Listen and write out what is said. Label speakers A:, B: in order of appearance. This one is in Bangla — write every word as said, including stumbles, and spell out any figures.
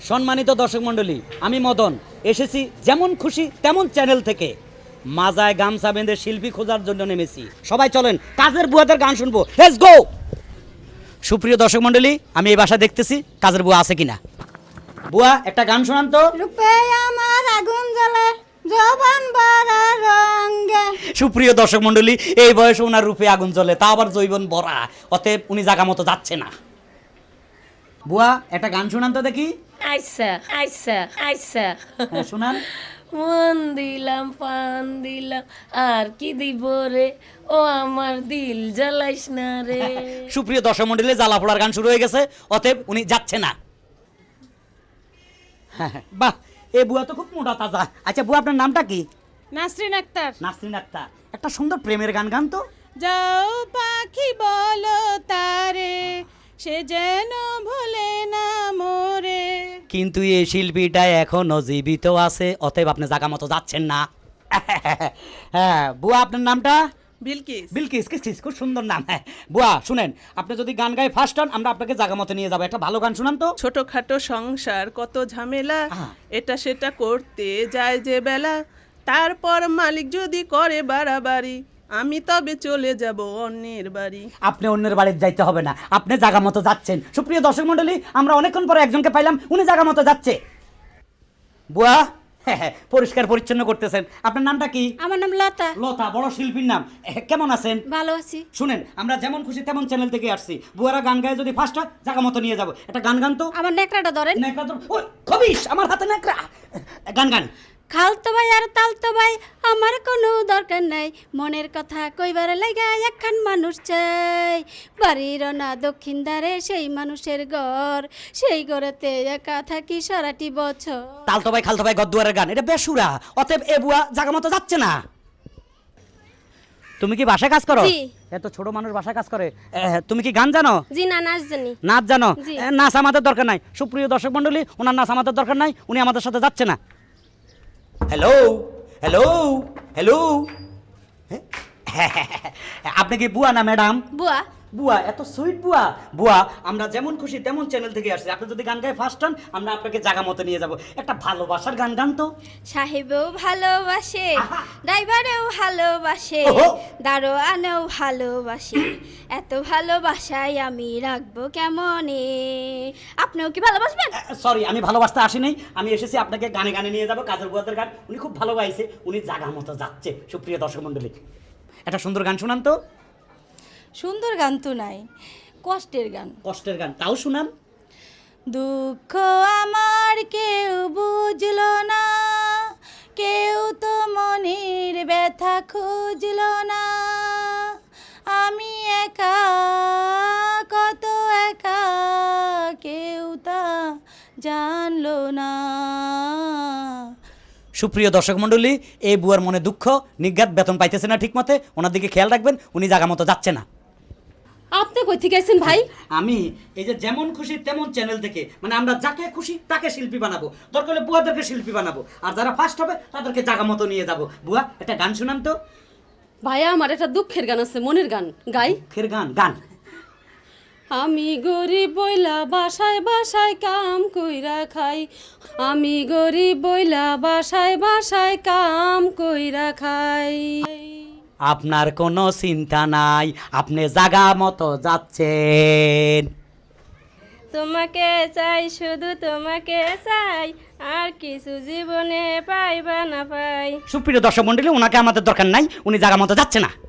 A: সম্মানিত দর্শক মণ্ডলী, আমি মদন এসেছি যেমন খুশি তেমন চ্যানেল থেকে। মাজায় গামছা বেঁধে শিল্পী খোঁজার জন্য নেমেছি। সবাই চলেন কাজের বুয়াদের গান শুনবো, লেটস গো। সুপ্রিয় দর্শক মণ্ডলী, আমি এই বাসা দেখতেছি কাজের বুয়া আছে কিনা। বুয়া একটা গান শোনান তো।
B: রূপে আমার আগুন জ্বলে জবান ভরা রঙে।
A: সুপ্রিয় দর্শক মণ্ডলী, এই বয়সে ওনার রূপে আগুন জ্বলে, তা আবার জৈবন ভরা, অতএব উনি জায়গা মতো যাচ্ছে না। বুয়া একটা গান শোনান তো দেখি।
C: আচ্ছা আচ্ছা আচ্ছা
A: হ্যাঁ, শোনান।
C: মন দিলাম পান দিলাম আর কি দিব রে, ও আমার দিল জ্বালাইস না রে।
A: সুপ্রিয় দর্শক মণ্ডলী, জ্বালা পোড়ার গান শুরু হয়ে গেছে, অতএব উনি যাচ্ছে না। হ্যাঁ, বাহ, এই বুয়া তো খুব মোটা তাজা। আচ্ছা বুয়া, আপনার নামটা কি?
D: নাসরিন আক্তার।
A: নাসরিন আক্তার, একটা সুন্দর প্রেমের গান গান তো।
D: যাও পাখি বলো তারে, সে যেন ভুলে না মোরে।
A: কিন্তু এই শিল্পীটা এখনো জীবিত আছে, অতএব আপনি জায়গা মতো যাচ্ছেন না। হ্যাঁ বুয়া, আপনার নামটা?
D: বিলকিস।
A: বিলকিস, কিস কিস, খুব সুন্দর নাম। হ্যাঁ বুয়া শুনেন, আপনি যদি গান গায়ে ফার্স্ট হন, আমরা আপনাকে জায়গা মতো নিয়ে যাবো। একটা ভালো গান শুনান তো।
D: ছোটখাটো সংসার কত ঝামেলা,
A: আহা।
D: এটা সেটা করতে যায় যে বেলা, তারপর মালিক যদি করে বাড়াবাড়ি, আমি তবে চলে যাব অন্যের বাড়ি।
A: আপনি অন্যের বাড়িতে যাইতে হবে না, আপনি জায়গা মতো যাচ্ছেন। সুপ্রিয় দর্শক মণ্ডলী, আমরা অনেকক্ষণ পরে একজনকে পাইলাম, উনি জায়গা মতো যাচ্ছে। বুয়া, হ্যাঁ হ্যাঁ, পরিষ্কার পরিচ্ছন্ন করতেছেন। আপনার নামটা কি?
B: আমার নাম লতা।
A: লতা, বড় শিল্পীর নাম। এহ, কেমন আছেন?
B: ভালো আছি।
A: শুনেন, আমরা যেমন খুশি তেমন চ্যানেল থেকে আসছি। বুয়ারা গান গায়ে যদি ফার্স্ট হয়, জায়গা মতো নিয়ে যাবো। একটা গান গান তো।
B: আমার নেকড়াটা ধরেন।
A: নেকড়া তো, ওই খবিস, আমার হাতে নেকড়া। গান গান।
B: খালতো ভাই আর তালতো ভাই, আমার কোনো দরকার নাই, মনের কথা কইবার লাগা একখান মানুষ চাই। বাড়ির না দক্ষিণ ধারে সেই মানুষের ঘর, সেই ঘরেতে একা থাকি সারাটি বছর।
A: তালতো ভাই খালতো ভাই গদ্দুয়ারের গান, এটা বেসুরা, অতএব এ বুয়া জায়গা মতো যাচ্ছে না। তুমি কি বাসায় কাজ করো?
B: জি।
A: এত ছোট মানুষ বাসায় কাজ করে। এহ, তুমি কি গান জানো?
B: জি না, নাচ জানি।
A: নাচ জানো?
B: জি।
A: এ, নাচ আমাদের দরকার নাই। সুপ্রিয় দর্শক মণ্ডলী, ওনার নাচ আমাদের দরকার নাই, উনি আমাদের সাথে যাচ্ছে না। হ্যালো হ্যালো হ্যালো, আপনি কি বুয়া না ম্যাডাম?
B: বুয়া।
A: বুয়া, এত সুইট বুয়া। বুয়া, আমরা যেমন খুশি তেমন চ্যানেল থেকে আসছি। আপনি যদি গান গায়ে ফার্স্ট হন, আমরা আপনাকে জায়গা মতো নিয়ে যাব। একটা ভালোবাসার গান গান তো।
B: সাহেবও ভালোবাসে,
A: আহা।
B: ড্রাইভারেও ভালোবাসে,
A: ওহো।
B: দারোয়ানেও ভালোবাসে, এত ভালোবাসায় আমি রাখবো কেমনে। আপনিও কি ভালোবাসবেন?
A: সরি, আমি ভালোবাসতে আসি নাই, আমি এসেছি আপনাকে গানে গানে নিয়ে যাবো। কাজের বুয়াদের গান উনি খুব ভালো গাইছে, উনি জায়গা মতো যাচ্ছে। সুপ্রিয় দর্শক মণ্ডলী, একটা সুন্দর গান শুনান তো।
B: সুন্দর গান তো নাই, কষ্টের গান।
A: কষ্টের গান, তাও শুনান।
B: দুঃখ আমার কেউ বুঝলো না, কেউ তো মনের ব্যথা খুঁজলো না, আমি একা কত একা, কেউ তা জানলো না।
A: সুপ্রিয় দর্শক মণ্ডলী, এই বুয়ার মনে দুঃখ, নিজ্ঞাত বেতন পাইতেছে না ঠিক মতে, ওনার দিকে খেয়াল রাখবেন, উনি জায়গা মতো যাচ্ছে না।
C: আপনি কই থেকে আছেন ভাই?
A: আমি এই যে যেমন খুশি তেমন চ্যানেল থেকে, মানে আমরা যাকে খুশি তাকে শিল্পী বানাবো, দরকার হলে বুয়াদেরকে শিল্পী বানাবো, আর যারা ফার্স্ট হবে তাদেরকে জায়গা মতো নিয়ে যাবো। বুয়া, একটা গান শুনান তো।
C: ভাইয়া, আমার একটা দুঃখের গান আছে, মনের গান গাই।
A: ফের গান গান।
C: আমি গরিব বইলা বাসায় বাসায় কাম কইরা খাই, আমি গরিব বইলা বাসায় বাসায় কাম কইরা খাই।
A: আপনার কোনো চিন্তা নাই, আপনি জায়গা মতো যাচ্ছেন।
C: তোমাকে চাই, শুধু তোমাকে চাই, আর কিছু জীবনে পাইবা না পাই।
A: সুপ্রিয় দর্শক মণ্ডলী, ওনাকে আমাদের দরকার নাই, উনি জায়গা মতো যাচ্ছে না।